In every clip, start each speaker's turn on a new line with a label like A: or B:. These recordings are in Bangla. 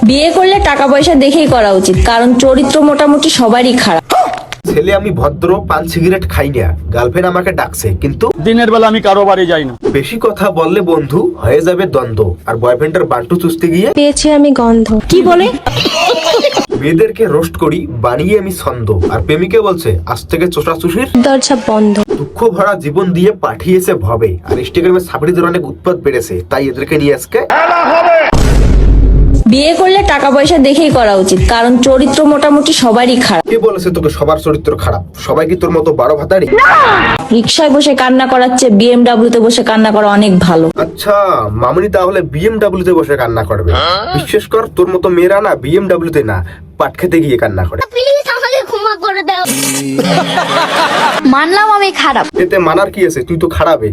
A: বিয়ে করলে টাকা পয়সা দেখেই করা উচিত, কারণ চরিত্র মোটামুটি সবারই খারাপ।
B: ছেলে আমি ভদ্র, পান সিগারেট খাই না, গার্লফ্রেন্ড আমাকে ডাকছে, কিন্তু
C: দিনের বেলা আমি কারো বাড়ি যাই না।
B: বেশি কথা বললে বন্ধু হয়ে যাবে দ্বন্দ্ব। আর বয়ফ্রেন্ডের বান্টু চুষতে গিয়ে
D: পেয়েছি আমি গন্ধ।
A: কি বলে?
B: মেয়েদেরকে রোস্ট করি বানিয়ে আমি ছন্দ। আর প্রেমিকে বলছে আজ থেকে চোষা চুষির
D: দরজা বন্ধ।
B: দুঃখ ভরা জীবন দিয়ে পাঠিয়েছে ভবে। আর ইনস্টাগ্রামে সাবরিদের অনেক উৎপাত বেড়েছে, তাই এদেরকে নিয়ে আজকে
A: বিয়ে করলে টাকা পয়সা দেখেই করা উচিত, কারণ চরিত্র মোটামুটি সবারই খারাপ।
B: কে বলেছে তোকে সবার চরিত্র খারাপ? সবাই কি তোর মতো 12 ভাতারি?
A: রিক্সায় বসে কান্না করার চেয়ে বিএমডাব্লিউ তে বসে কান্না করা অনেক ভালো।
B: আচ্ছা, মামনি তাহলে বিএমডাব্লিউ তে বসে কান্না করবে? বিশ্বাস কর, তোর মতো মেয়েরা না বিএমডাব্লিউ তে না, পাট খেতে গিয়ে কান্না করে।
E: প্লিজ আমাকে ক্ষমা করে দাও। মানলাম আমি খারাপ।
B: এতে মানার কি আছে? তুই তো খারাপই।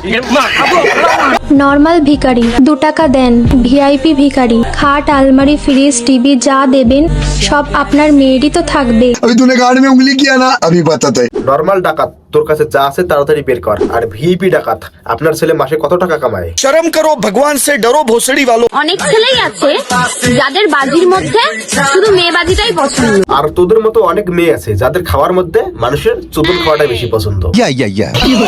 D: নর্মাল ভিখারি 2 টাকা দেন, ভিআইপি ভিখারি। খাট, আলমারি, ফ্রিজ, টিভি যা দেবেন সব আপনার মেয়েরই তো থাকবে।
F: अभी तूने गार्ड में उंगली किया ना, अभी बताता है।
B: নরমাল ডাকাত, তোর কাছে যা আছে তাড়াতাড়ি বের কর। আর ভিআইপি ডাকাত, আপনার ছেলে মাসে কত টাকা কামায়?
F: शर्म करो, भगवान से डरो भोसड़ी वालों।
E: অনেক ছেলেই আছে যাদের বাজির মধ্যে শুধু মেয়ে বাজিটাই পছন্দ।
B: আর তোদের মতো অনেক মেয়ে আছে যাদের খাওয়ার মধ্যে মানুষের চতুর খাওয়াটা বেশি পছন্দ।
F: या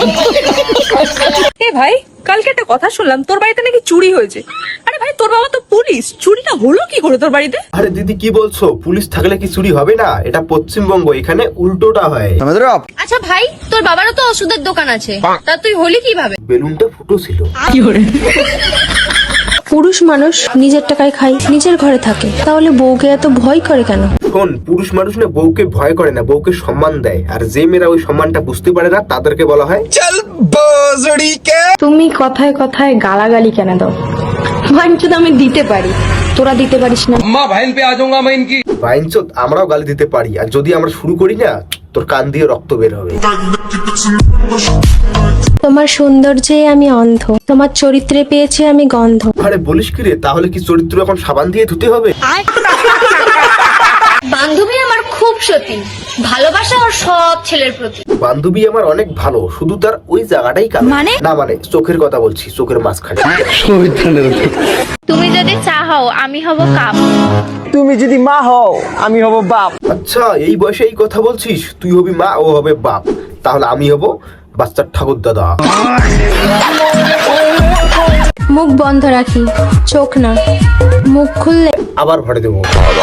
G: এ ভাই, কালকে একটা কথা শুনলাম তোর বাড়িতে নাকি চুরি হয়েছে। আরে ভাই, তোর বাবা তো পুলিশ, চুরিটা হলো কি করে তোর বাড়িতে?
B: আরে দিদি কি বলছো? পুলিশ থাকলে কি চুরি হবে না? এটা পশ্চিমবঙ্গ, এখানে উল্টোটা হয়।
F: समझ रहे हो आप?
E: আচ্ছা ভাই, তোর বাবারও তো ওষুধের দোকান আছে, তা তুই হলি কিভাবে?
B: বেলুনটা ফুটো ছিল।
D: পুরুষ মানুষ নিজের টাকায় খায়, নিজের ঘরে থাকে, তাহলে বউকে এত ভয় করে কেন?
B: শোন, পুরুষ মানুষ না বউকে ভয় করে না, বউকে সম্মান দেয়। আর যে মেয়েরা ওই সম্মানটা বুঝতে পারে না তাদেরকে বলা হয়
F: चल भोसड़ी के।
D: তুমি কথায় কথায় গালাগালি কেন দাও? মানছি তো আমি দিতে পারি, তোরা দিতে পারিস না।
B: বাইনচোদ, আমরাও গালি দিতে পারি। আর যদি আমরা শুরু করি না, তোর কান দিয়ে রক্ত বের হবে।
D: তোমার সৌন্দর্যে আমি অন্ধ, তোমার চরিত্রে পেয়েছি আমি গন্ধ।
B: আরে বলিস কি রে? তাহলে কি চরিত্র এখন সাবান দিয়ে ধুতে হবে?
E: বান্ধবী আমার খুব সতী, ভালোবাসা ওর সব ছেলের প্রতি।
B: বান্ধবী আমার অনেক ভালো, শুধু তার ওই জায়গাটাই কালো। না মানে চোখের কথা বলছি, চোখের মাঝখানে।
E: তুমি যদি চাও আমি হব কাপ।
G: তুমি যদি মা হও আমি হব বাপ।
B: আচ্ছা, এই বয়সে এই কথা বলছিস? তুই হবি মা, ও হবে বাপ, তাহলে আমি হব বাচ্চার ঠাকুর দাদা।
D: মুখ বন্ধ রাখি, চোখ না, মুখ খুললে
B: আবার ভরে দেবো।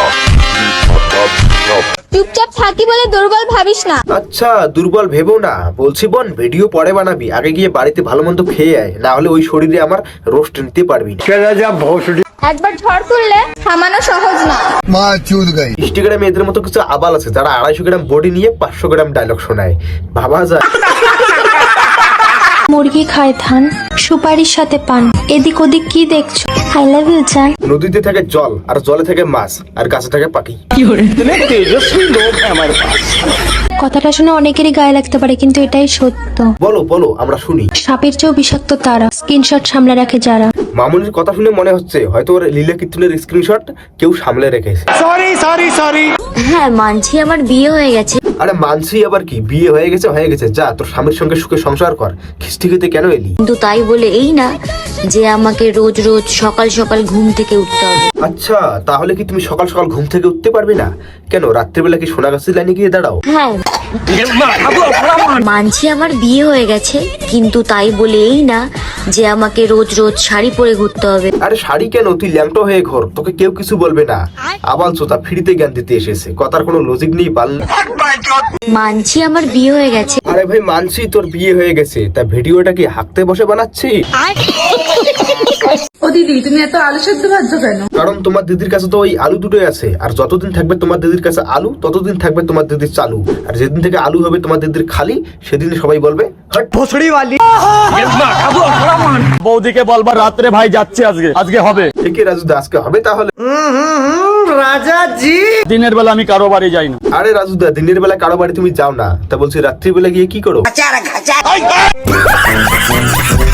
E: চুপচাপ থাকি বলে দুর্বল ভাবিস না।
B: আচ্ছা, দুর্বল ভেবো না। বলছি বোন, ভিডিও পরে বানাবি, আগে গিয়ে বাড়িতে ভালো মন্দ খেয়ে আয়, না হলে ওই শরীরে আমার রোস্ট নিতে পারবি না।
E: একবার ঝড় তুললে থামানো সহজ না।
F: माँ चूद गई।
B: ইনস্টাগ্রামে এদের মতো কিছু আবাল আছে যারা 250 গ্রাম বডি নিয়ে 500 গ্রাম ডায়লগ শোনায়। ভাবা যায়?
D: মুরগি খায় ধান, সুপারির সাথে পান, এদিক ওদিক কি দেখছো? আই লাভ ইউ জান।
B: নদীতে থাকে জল, আর জলে থাকে মাছ, আর গাছে থাকে পাখি।
D: কথাটা শুনে অনেকেরই গায়ে লাগতে পারে, কিন্তু এটাই সত্য।
B: বলো বলো, আমরা শুনি।
D: সাপের চেয়েও বিষাক্ত তারা, স্ক্রিনশট সামলে রাখে যারা।
B: মামুনির কথা শুনে মনে হচ্ছে হয়তো ওর লীলা কীর্তনের স্ক্রিনশট কেউ সামলে রেখেছে।
E: হ্যাঁ মানছি, আমার বিয়ে হয়ে গেছে।
B: আরে মানছি আবার কি? বিয়ে হয়ে গেছে হয়ে গেছে, যা তোর স্বামীর সঙ্গে সুখে সংসার কর। খিস্টি খেতে কেন এলি?
E: কিন্তু তাই বলে এই না যে আমাকে রোজ রোজ সকাল সকাল ঘুম থেকে উঠতে হবে।
B: আচ্ছা, তাহলে কি তুমি সকাল সকাল ঘুম থেকে উঠতে পারবে না? কেন, রাত্রিবেলা কি সোনাগাছির লাইনে গিয়ে দাঁড়াও?
E: হ্যাঁ মানছি আমার বিয়ে হয়ে গেছে, কিন্তু তাই বলে এই না যে আমাকে রোজ রোজ শাড়ি পরে ঘুরতে হবে।
B: আরে শাড়ি কেন, তুই ল্যাংটো হয়ে ঘোর, তোকে কেউ কিছু বলবে না। আবাল চোতা ফ্রিতে জ্ঞান দিতে এসেছে, কথার কোনো লজিক নেই বাল।
E: মানছি আমার বিয়ে হয়ে গেছে।
B: আরে ভাই মানছি তোর বিয়ে হয়ে গেছে, তা ভিডিওটা কি হাঁকতে বসে বানাচ্ছি?
G: ও দিদি, তুমি এত আলু সেদ্ধ ভাজছো কেন?
B: কারণ তোমার দিদির কাছে তো ওই আলু দুটোই আছে, আর যতদিন থাকবে তোমার দিদির কাছে আলু ততদিন থাকবে তোমার দিদির চালু। আর যেদিন থেকে আলু হবে তোমার দিদির খালি, সেদিন সবাই বলবে হট
C: ভোসড়ি वाली। বৌদিকে বলবা রাত্রে ভাই যাচ্ছে, আজকে হবে।
B: একে রাজুদা, আজকে হবে তাহলে?
C: দিনের বেলা আমি কারো বাড়ি যাই না।
B: আরে রাজুদা, দিনের বেলা কারো বাড়ি তুমি যাও না, তা বলছি রাত্রিবেলা গিয়ে কি করো?